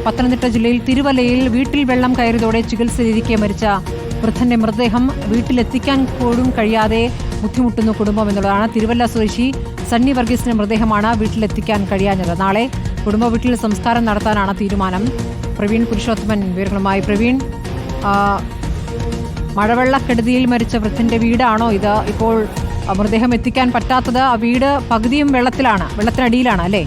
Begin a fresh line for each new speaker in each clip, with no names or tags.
പത്തനംതിട്ട ജില്ലയിൽ തിരുവല്ലയിൽ വീട്ടിൽ വെള്ളം കയറിയതോടെ ചികിത്സയിലിരിക്കെ മരിച്ച വൃദ്ധന്റെ മൃതദേഹം വീട്ടിലെത്തിക്കാൻ പോലും കഴിയാതെ ബുദ്ധിമുട്ടുന്നു കുടുംബം എന്നുള്ളതാണ്. തിരുവല്ല സ്വദേശി സണ്ണി വർഗീസിന്റെ മൃതദേഹമാണ് വീട്ടിലെത്തിക്കാൻ കഴിയാഞ്ഞത്. നാളെ കുടുംബ വീട്ടിൽ സംസ്കാരം നടത്താനാണ് തീരുമാനം. പ്രവീൺ പുരുഷോത്തമൻ വിവരങ്ങളുമായി. പ്രവീൺ, മഴവെള്ളക്കെടുതിയിൽ മരിച്ച വൃദ്ധന്റെ വീടാണോ ഇത്? ഇപ്പോൾ മൃതദേഹം എത്തിക്കാൻ പറ്റാത്തത്, ആ വീട് പകുതിയും വെള്ളത്തിനടിയിലാണ് അല്ലേ?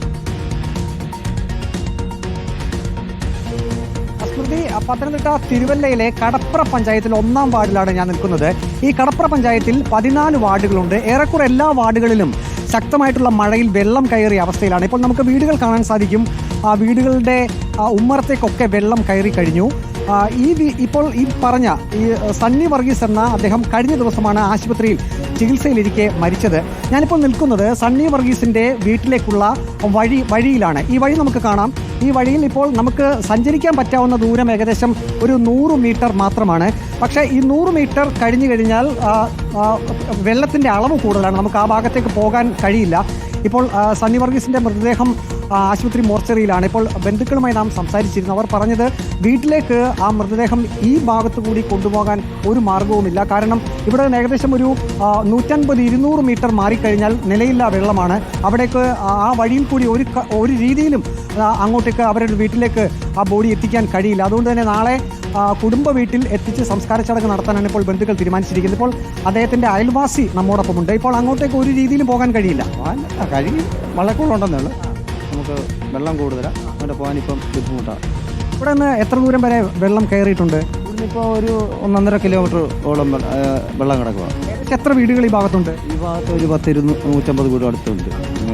സ്മൃതി, പത്തനംതിട്ട തിരുവല്ലയിലെ കടപ്ര പഞ്ചായത്തിൽ 1-ാം വാർഡിലാണ് ഞാൻ നിൽക്കുന്നത്. ഈ കടപ്ര പഞ്ചായത്തിൽ 14 വാർഡുകളുണ്ട്. ഏറെക്കുറെ എല്ലാ വാർഡുകളിലും ശക്തമായിട്ടുള്ള മഴയിൽ വെള്ളം കയറിയ അവസ്ഥയിലാണ്. ഇപ്പോൾ നമുക്ക് വീടുകൾ കാണാൻ സാധിക്കും. ആ വീടുകളുടെ ഉമ്മറത്തേക്കൊക്കെ വെള്ളം കയറി കഴിഞ്ഞു. ഇപ്പോൾ ഈ പറഞ്ഞ ഈ സണ്ണി വർഗീസ് എന്ന അദ്ദേഹം കഴിഞ്ഞ ദിവസമാണ് ആശുപത്രിയിൽ ചികിത്സയിലിരിക്കെ മരിച്ചത്. ഞാനിപ്പോൾ നിൽക്കുന്നത് സണ്ണി വർഗീസിന്റെ വീട്ടിലേക്കുള്ള വഴിയിലാണ്. ഈ വഴി നമുക്ക് കാണാം. ഈ വഴിയിൽ ഇപ്പോൾ നമുക്ക് സഞ്ചരിക്കാൻ പറ്റാവുന്ന ദൂരം ഏകദേശം ഒരു 100 മീറ്റർ മാത്രമാണ്. പക്ഷേ ഈ 100 മീറ്റർ കഴിഞ്ഞു കഴിഞ്ഞാൽ വെള്ളത്തിൻ്റെ അളവ് കൂടുതലാണ്. നമുക്ക് ആ ഭാഗത്തേക്ക് പോകാൻ കഴിയില്ല. ഇപ്പോൾ സണ്ണി വർഗീസിന്റെ മൃതദേഹം ആശുപത്രി മോർച്ചറിയിലാണ്. ഇപ്പോൾ ബന്ധുക്കളുമായി നാം സംസാരിച്ചിരുന്നു. അവർ പറഞ്ഞത് വീട്ടിലേക്ക് ആ മൃതദേഹം ഈ ഭാഗത്തു കൂടി കൊണ്ടുപോകാൻ ഒരു മാർഗവുമില്ല. കാരണം ഇവിടെ ഏകദേശം ഒരു 150-200 മീറ്റർ മാറിക്കഴിഞ്ഞാൽ നിലയില്ലാ വെള്ളമാണ്. അവിടേക്ക് ആ വഴിയിൽ കൂടി ഒരു രീതിയിലും അങ്ങോട്ടേക്ക് അവരുടെ വീട്ടിലേക്ക് ആ ബോഡി എത്തിക്കാൻ കഴിയില്ല. അതുകൊണ്ട് തന്നെ നാളെ കുടുംബ വീട്ടിൽ എത്തിച്ച് സംസ്കാര ചടങ്ങ് നടത്താനാണ് ഇപ്പോൾ ബന്ധുക്കൾ തീരുമാനിച്ചിരിക്കുന്നത്. ഇപ്പോൾ അദ്ദേഹത്തിൻ്റെ അയൽവാസി നമ്മോടൊപ്പമുണ്ട്. ഇപ്പോൾ അങ്ങോട്ടേക്ക് ഒരു രീതിയിലും പോകാൻ കഴിയില്ല.
കഴിയും, മഴക്കൂടുണ്ടെന്നേ ഉള്ളൂ. നമുക്ക് വെള്ളം കൂടുതലാണ്, അവിടെ പോകാനിപ്പം ബുദ്ധിമുട്ടാണ്.
ഇവിടെ നിന്ന് എത്ര ദൂരം വരെ വെള്ളം കയറിയിട്ടുണ്ട്?
ഇവിടുന്നിപ്പോൾ ഒരു 1.5 കിലോമീറ്റർ ഓളം വെള്ളം കിടക്കുക.
ഏകദേശം എത്ര വീടുകൾ ഈ ഭാഗത്തുണ്ട്?
ഈ ഭാഗത്ത് ഒരു 150 വീടും അടുത്തുണ്ട്.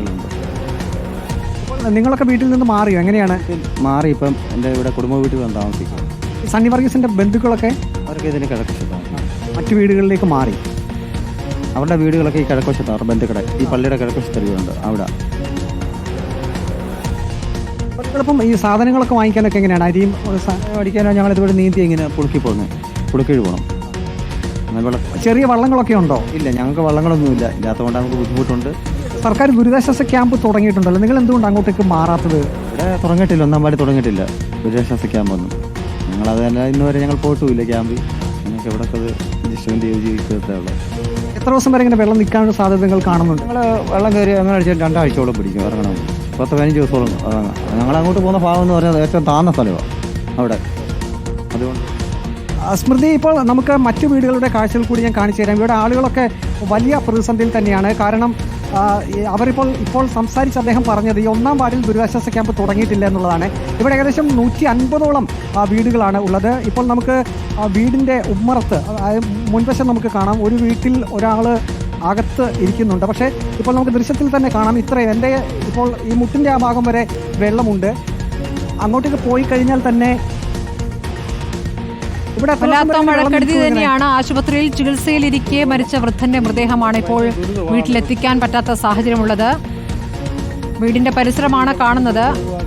നിങ്ങളൊക്കെ വീട്ടിൽ നിന്ന് മാറിയോ? എങ്ങനെയാണ്
മാറി? ഇപ്പം എൻ്റെ ഇവിടെ കുടുംബ വീട്ടിൽ വന്ന് താമസിക്കും.
സണ്ണി വർഗീസിന്റെ ബന്ധുക്കളൊക്കെ
അവർക്ക് ഇതിന് കിഴക്കുവശത്താണ്,
മറ്റു വീടുകളിലേക്ക് മാറി.
അവരുടെ വീടുകളൊക്കെ ഈ കിഴക്കുവശത്താണ്. അവരുടെ ബന്ധുക്കളെ ഈ പള്ളിയുടെ കിഴക്കുവശത്തെ വീടുണ്ട് അവിടെ.
ഇപ്പം ഈ സാധനങ്ങളൊക്കെ വാങ്ങിക്കാനൊക്കെ എങ്ങനെയാണ്? അരിയും
അടിക്കാനോ ഞങ്ങൾ ഇതുവരെ നീന്തി ഇങ്ങനെ പുളുക്കി പോകുന്നത്, പുളുക്കിഴ് പോകണം.
ചെറിയ വള്ളങ്ങളൊക്കെ ഉണ്ടോ?
ഇല്ല, ഞങ്ങൾക്ക് വള്ളങ്ങളൊന്നുമില്ല. ഇല്ലാത്തതുകൊണ്ട് നമുക്ക് ബുദ്ധിമുട്ടുണ്ട്.
സർക്കാർ ദുരിതാശ്വാസ ക്യാമ്പ് തുടങ്ങിയിട്ടുണ്ടല്ലോ, നിങ്ങൾ എന്തുകൊണ്ട് അങ്ങോട്ടേക്ക് മാറാത്തത്?
ഇവിടെ തുടങ്ങിയിട്ടില്ല, 1-ാം വാർഡ് തുടങ്ങിയിട്ടില്ല ദുരിതാശ്വാസ ക്യാമ്പൊന്നും. ഞങ്ങളത് തന്നെ ഇന്നുവരെ ഞങ്ങൾ പോയിട്ടുമില്ല ക്യാമ്പിൽ. ഞങ്ങൾക്ക് ഇവിടെ ജിസ്റ്റ്മെന്റ് ചെയ്ത് ജീവിക്കത്തേ ഉള്ളൂ.
എത്ര ദിവസം വരെ ഇങ്ങനെ വെള്ളം നിൽക്കാനുള്ള സാധ്യത നിങ്ങൾ കാണുന്നുണ്ട്?
ഞങ്ങൾ വെള്ളം കയറി അങ്ങനെ അടിച്ചാൽ 2 ആഴ്ചയോളം പിടിക്കും ഇറങ്ങണം. 10-15 ദിവസത്തോളം ഇറങ്ങാം. ഞങ്ങൾ അങ്ങോട്ട് പോകുന്ന ഭാഗം എന്ന് പറഞ്ഞാൽ ഏറ്റവും താഴ്ന്ന സ്ഥലമാണ് അവിടെ. അതുകൊണ്ട്
സ്മൃതി, ഇപ്പോൾ നമുക്ക് മറ്റു വീടുകളുടെ കാഴ്ചകൾ കൂടി ഞാൻ കാണിച്ചു തരാം. ഇവിടെ ആളുകളൊക്കെ വലിയ പ്രതിസന്ധിയിൽ തന്നെയാണ്. കാരണം ഇപ്പോൾ സംസാരിച്ച് അദ്ദേഹം പറഞ്ഞത് ഈ 1-ാം വാർഡിൽ ദുരിതാശ്വാസ ക്യാമ്പ് തുടങ്ങിയിട്ടില്ല എന്നുള്ളതാണ്. ഇവിടെ ഏകദേശം 150ഓളം വീടുകളാണ് ഉള്ളത്. ഇപ്പോൾ നമുക്ക് വീടിൻ്റെ ഉമ്മറത്ത് മുൻവശം നമുക്ക് കാണാം. ഒരു വീട്ടിൽ ഒരാൾ അകത്ത് ഇരിക്കുന്നുണ്ട്. പക്ഷേ ഇപ്പോൾ നമുക്ക് ദൃശ്യത്തിൽ തന്നെ കാണാം ഇത്രയും ഇപ്പോൾ ഈ മുട്ടിൻ്റെ ആ ഭാഗം വരെ വെള്ളമുണ്ട്. അങ്ങോട്ടേക്ക് പോയി കഴിഞ്ഞാൽ തന്നെ
വല്ലാത്ത മഴക്കെടുതി തന്നെയാണ്. ആശുപത്രിയിൽ ചികിത്സയിലിരിക്കെ മരിച്ച വൃദ്ധന്റെ മൃതദേഹമാണ് ഇപ്പോൾ വീട്ടിലെത്തിക്കാൻ പറ്റാത്ത സാഹചര്യമുള്ളത്. വീടിന്റെ പരിസരമാണ് കാണുന്നത്.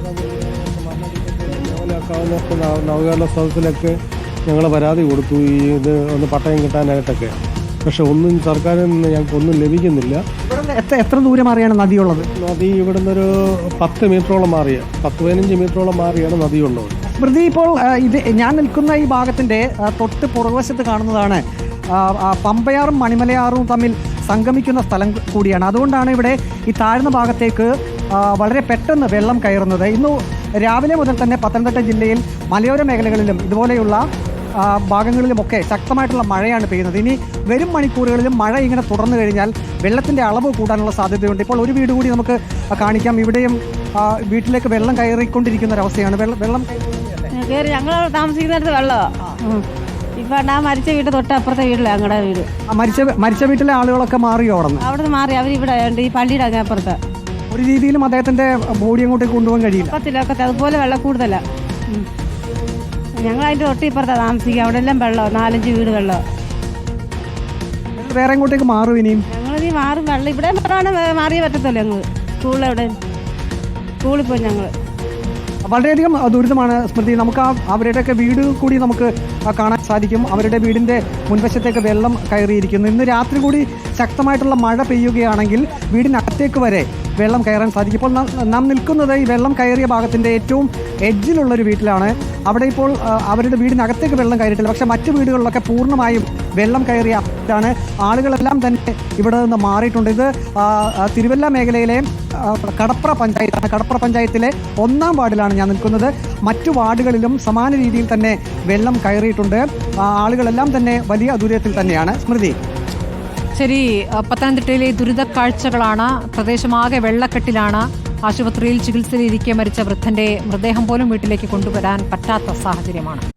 നവകേരള സദസ്സിലൊക്കെ ഞങ്ങൾ പരാതി കൊടുത്തു ഇത് ഒന്ന് പട്ടയം കിട്ടാനായിട്ടൊക്കെ. പക്ഷെ ഒന്നും സർക്കാരിൽ നിന്ന് ഞങ്ങൾക്ക് ഒന്നും ലഭിക്കുന്നില്ല.
എത്ര ദൂരം മാറിയാണ് നദിയുള്ളത്?
നദി ഇവിടുന്ന് ഒരു 10 മീറ്ററോളം മാറിയ 10-15 മീറ്ററോളം മാറിയാണ് നദിയുള്ളത്.
സ്മൃതി, ഇപ്പോൾ ഞാൻ നിൽക്കുന്ന ഈ ഭാഗത്തിൻ്റെ തൊട്ട് പുറകുവശത്ത് കാണുന്നതാണ് പമ്പയാറും മണിമലയാറും തമ്മിൽ സംഗമിക്കുന്ന സ്ഥലം കൂടിയാണ്. അതുകൊണ്ടാണ് ഇവിടെ ഈ താഴ്ന്ന ഭാഗത്തേക്ക് വളരെ പെട്ടെന്ന് വെള്ളം കയറുന്നത്. ഇന്ന് രാവിലെ മുതൽ തന്നെ പത്തനംതിട്ട ജില്ലയിൽ മലയോര മേഖലകളിലും ഇതുപോലെയുള്ള ഭാഗങ്ങളിലുമൊക്കെ ശക്തമായിട്ടുള്ള മഴയാണ് പെയ്യുന്നത്. ഇനി വരും മണിക്കൂറുകളിലും മഴ ഇങ്ങനെ തുടർന്നു കഴിഞ്ഞാൽ വെള്ളത്തിൻ്റെ അളവ് കൂടാനുള്ള സാധ്യതയുണ്ട്. ഇപ്പോൾ ഒരു വീട് കൂടി നമുക്ക് കാണിക്കാം. ഇവിടെയും വീട്ടിലേക്ക് വെള്ളം കയറിക്കൊണ്ടിരിക്കുന്ന ഒരവസ്ഥയാണ്. വെള്ളം
കയറി ഞങ്ങൾ താമസിക്കുന്നിടത്ത് വെള്ളമാണ്. ഇപ്പം ആ മരിച്ച വീട് തൊട്ടപ്പുറത്തെ വീട്ടിലാണ് ഞങ്ങളുടെ വീട്.
മരിച്ച വീട്ടിലെ ആളുകളൊക്കെ മാറിയോ?
അവിടെ നിന്ന് മാറി അവരിവിടെ ഉണ്ട്, ഈ പള്ളിയുടെ അങ്ങ് അപ്പുറത്ത്.
ഒരു രീതിയിലും അദ്ദേഹത്തിൻ്റെ ബോഡി അങ്ങോട്ടേക്ക് കൊണ്ടുപോകാൻ കഴിയില്ല.
പത്തിലൊക്കത്തെ അതുപോലെ വെള്ളം കൂടുതലാണ്. ഞങ്ങൾ അതിൻ്റെ തൊട്ടിപ്പുറത്താണ് താമസിക്കുക. അവിടെ എല്ലാം വെള്ളം, 4-5 വീട് വെള്ളം.
വേറെ എങ്ങോട്ടേക്ക് മാറും ഇനിയും?
ഞങ്ങളിനി മാറും. വെള്ളം ഇവിടെ മാറിയേ പറ്റത്തുള്ളൂ. ഞങ്ങൾ സ്കൂളിൽ പോയി ഞങ്ങൾ
വളരെയധികം ദുരിതമാണ് സ്മൃതി. നമുക്ക് അവരുടെയൊക്കെ വീട് കൂടി നമുക്ക് കാണാൻ സാധിക്കും. അവരുടെ വീടിൻ്റെ മുൻവശത്തേക്ക് വെള്ളം കയറിയിരിക്കുന്നു. ഇന്ന് രാത്രി കൂടി ശക്തമായിട്ടുള്ള മഴ പെയ്യുകയാണെങ്കിൽ വീടിനകത്തേക്ക് വരെ വെള്ളം കയറാൻ സാധിക്കും. ഇപ്പോൾ നാം നിൽക്കുന്നത് ഈ വെള്ളം കയറിയ ഭാഗത്തിൻ്റെ ഏറ്റവും എഡ്ജിലുള്ളൊരു വീട്ടിലാണ്. അവിടെ ഇപ്പോൾ അവരുടെ വീടിനകത്തേക്ക് വെള്ളം കയറിയിട്ടില്ല. പക്ഷേ മറ്റു വീടുകളിലൊക്കെ പൂർണ്ണമായും വെള്ളം കയറിയ ാണ്. ആളുകളെല്ലാം തന്നെ ഇവിടെ നിന്ന് മാറിയിട്ടുണ്ട്. ഇത് തിരുവല്ല മേഖലയിലെ കടപ്ര പഞ്ചായത്താണ്. കടപ്ര പഞ്ചായത്തിലെ 1-ാം വാർഡിലാണ് ഞാൻ നിൽക്കുന്നത്. മറ്റു വാർഡുകളിലും സമാന രീതിയിൽ തന്നെ വെള്ളം കയറിയിട്ടുണ്ട്. ആളുകളെല്ലാം തന്നെ വലിയ ദുരിതത്തിൽ തന്നെയാണ്. സ്മൃതി,
ശരി, പത്തനംതിട്ടയിലെ ദുരിത കാഴ്ചകളാണ്. പ്രദേശമാകെ വെള്ളക്കെട്ടിലാണ്. ആശുപത്രിയിൽ ചികിത്സയിലിരിക്കെ മരിച്ച വൃദ്ധന്റെ മൃതദേഹം പോലും വീട്ടിലേക്ക് കൊണ്ടുവരാൻ പറ്റാത്ത സാഹചര്യമാണ്.